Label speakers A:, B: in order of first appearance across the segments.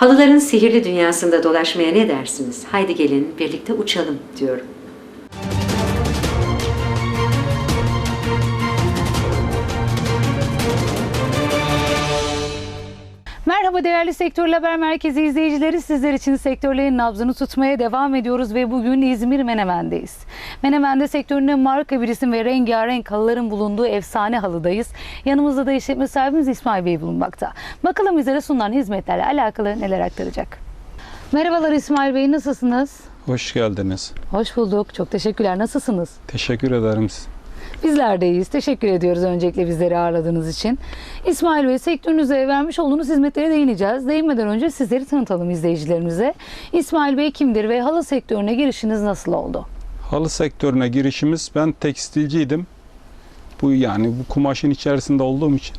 A: Halıların sihirli dünyasında dolaşmaya ne dersiniz? Haydi gelin birlikte uçalım diyorum.
B: Merhaba değerli Sektörler Haber Merkezi izleyicileri. Sizler için sektörlerin nabzını tutmaya devam ediyoruz ve bugün İzmir Menemen'deyiz. Menemen'de sektöründe marka bir isim ve rengarenk halıların bulunduğu efsane halıdayız. Yanımızda da işletme sahibimiz İsmail Bey bulunmakta. Bakalım bizlere sunulan hizmetlerle alakalı neler aktaracak. Merhabalar İsmail Bey, nasılsınız?
C: Hoş geldiniz.
B: Hoş bulduk. Çok teşekkürler. Nasılsınız?
C: Teşekkür ederim.
B: Bizler de iyiyiz. Teşekkür ediyoruz öncelikle bizleri ağırladığınız için. İsmail Bey, sektörünüze vermiş olduğunuz hizmetlere değineceğiz. Değinmeden önce sizleri tanıtalım izleyicilerimize. İsmail Bey kimdir ve halı sektörüne girişiniz nasıl oldu?
C: Halı sektörüne girişimiz, ben tekstilciydim. Bu kumaşın içerisinde olduğum için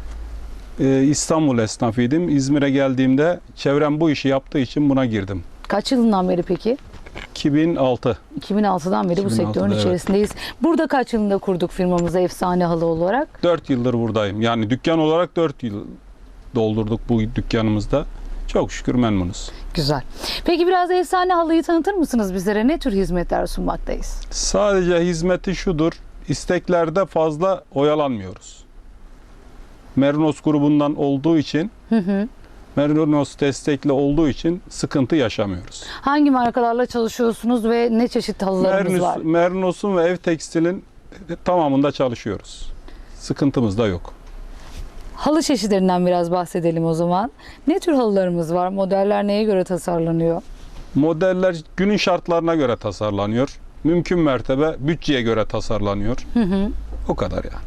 C: İstanbul esnafıydım. İzmir'e geldiğimde çevrem bu işi yaptığı için buna girdim.
B: Kaç yılından beri peki?
C: 2006.
B: 2006'dan beri bu
C: 2006'da,
B: sektörün
C: evet.
B: içerisindeyiz. Burada kaç yılında kurduk firmamızı efsane halı olarak?
C: 4 yıldır buradayım. Yani dükkan olarak 4 yıl doldurduk bu dükkanımızda. Çok şükür memnunuz.
B: Güzel. Peki biraz efsane halıyı tanıtır mısınız bizlere? Ne tür hizmetler sunmaktayız?
C: Sadece hizmeti şudur: isteklerde fazla oyalanmıyoruz. Merinos grubundan olduğu için Merinos destekli olduğu için sıkıntı yaşamıyoruz.
B: Hangi markalarla çalışıyorsunuz ve ne çeşit halılarımız var?
C: Merinos'un ve ev tekstilin tamamında çalışıyoruz. Sıkıntımız da yok.
B: Halı çeşitlerinden biraz bahsedelim o zaman. Ne tür halılarımız var? Modeller neye göre tasarlanıyor?
C: Modeller günün şartlarına göre tasarlanıyor. Mümkün mertebe bütçeye göre tasarlanıyor. O kadar yani.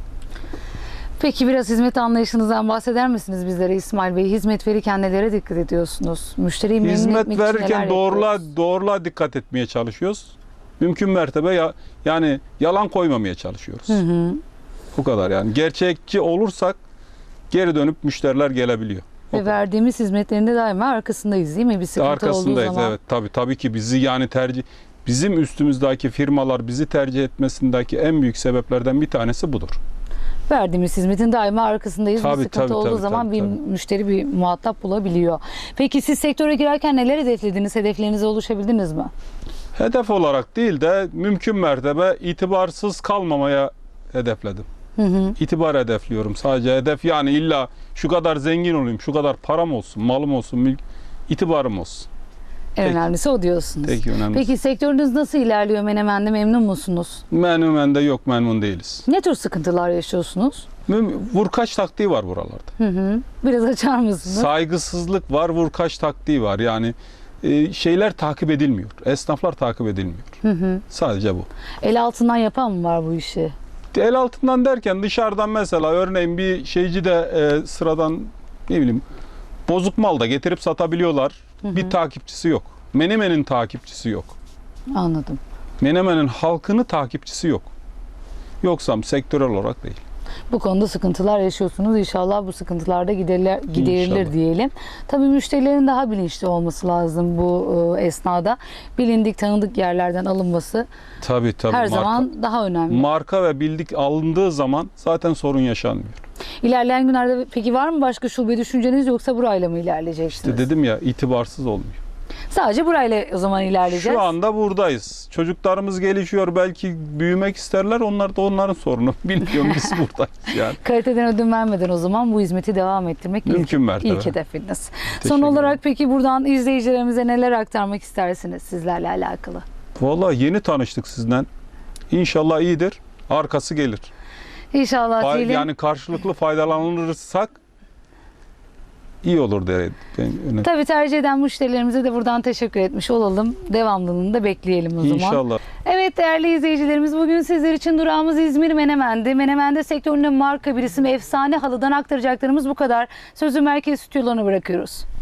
B: Peki biraz hizmet anlayışınızdan bahseder misiniz bizlere İsmail Bey? Hizmet verirken nelere dikkat ediyorsunuz? Müşteriyi memnun
C: Hizmet
B: etmek için neler
C: verirken
B: yapıyoruz?
C: doğruluğa dikkat etmeye çalışıyoruz. Mümkün mertebe yani yalan koymamaya çalışıyoruz. Bu kadar yani. Gerçekçi olursak geri dönüp müşteriler gelebiliyor.
B: Ve verdiğimiz hizmetlerinde daima arkasındayız değil mi? Bir sıkıntı
C: Arkasındayız,
B: olduğu zaman.
C: evet. Tabii ki bizi bizim üstümüzdeki firmalar bizi tercih etmesindeki en büyük sebeplerden bir tanesi budur.
B: Verdiğimiz hizmetin daima arkasındayız.
C: Tabii,
B: bir sıkıntı
C: tabii,
B: olduğu
C: tabii,
B: zaman
C: tabii,
B: bir müşteri, bir muhatap bulabiliyor. Peki siz sektöre girerken neler hedeflediniz? Hedeflerinize ulaşabildiniz mi?
C: Hedef olarak değil de mümkün mertebe itibarsız kalmamaya hedefledim. İtibar hedefliyorum. Sadece hedef yani illa şu kadar zengin olayım, şu kadar param olsun, malım olsun, itibarım olsun.
B: En önemlisi o diyorsunuz.
C: Tek önemlisi.
B: Peki sektörünüz nasıl ilerliyor Menemen'de? Memnun musunuz?
C: Menemen'de yok, memnun değiliz.
B: Ne tür sıkıntılar yaşıyorsunuz?
C: Vurkaç taktiği var buralarda.
B: Biraz açar mısınız?
C: Saygısızlık var, vurkaç taktiği var. Yani şeyler takip edilmiyor. Esnaflar takip edilmiyor. Sadece bu.
B: El altından yapan mı var bu işi?
C: El altından derken dışarıdan mesela örneğin bir şeyci de sıradan ne bileyim bozuk mal da getirip satabiliyorlar. Bir takipçisi yok. Menemen'in takipçisi yok.
B: Anladım.
C: Menemen'in halkını takipçisi yok. Yoksam sektörel olarak değil.
B: Bu konuda sıkıntılar yaşıyorsunuz. İnşallah bu sıkıntılar da giderilir
C: İnşallah.
B: diyelim. Tabii müşterilerin daha bilinçli olması lazım bu esnada. Bilindik, tanıdık yerlerden alınması
C: Tabii.
B: her zaman daha önemli.
C: Marka ve bildik alındığı zaman zaten sorun yaşanmıyor.
B: İlerleyen günlerde peki var mı başka şube düşünceniz, yoksa burayla mı ilerleyeceksiniz?
C: İşte dedim ya, itibarsız olmuyor.
B: Sadece burayla o zaman ilerleyeceğiz.
C: Şu anda buradayız. Çocuklarımız gelişiyor. Belki büyümek isterler. Onlar da onların sorunu. Bilmiyorum, biz buradayız yani.
B: Kaliteden ödün vermeden o zaman bu hizmeti devam ettirmek
C: Mümkün mertebe.
B: ilk hedefiniz.
C: Teşekkür
B: Son olarak
C: ederim.
B: peki buradan izleyicilerimize neler aktarmak istersiniz sizlerle alakalı?
C: Vallahi yeni tanıştık sizden. İnşallah iyidir. Arkası gelir.
B: İnşallah diyelim.
C: Yani karşılıklı faydalanırsak iyi olur diye.
B: Tabii tercih eden müşterilerimize de buradan teşekkür etmiş olalım. Devamlılığını da bekleyelim o zaman.
C: İnşallah.
B: Evet değerli izleyicilerimiz, bugün sizler için durağımız İzmir Menemen'de. Menemen'de sektöründe marka bir isim efsane halıdan aktaracaklarımız bu kadar. Sözü merkez stüdyolarına bırakıyoruz.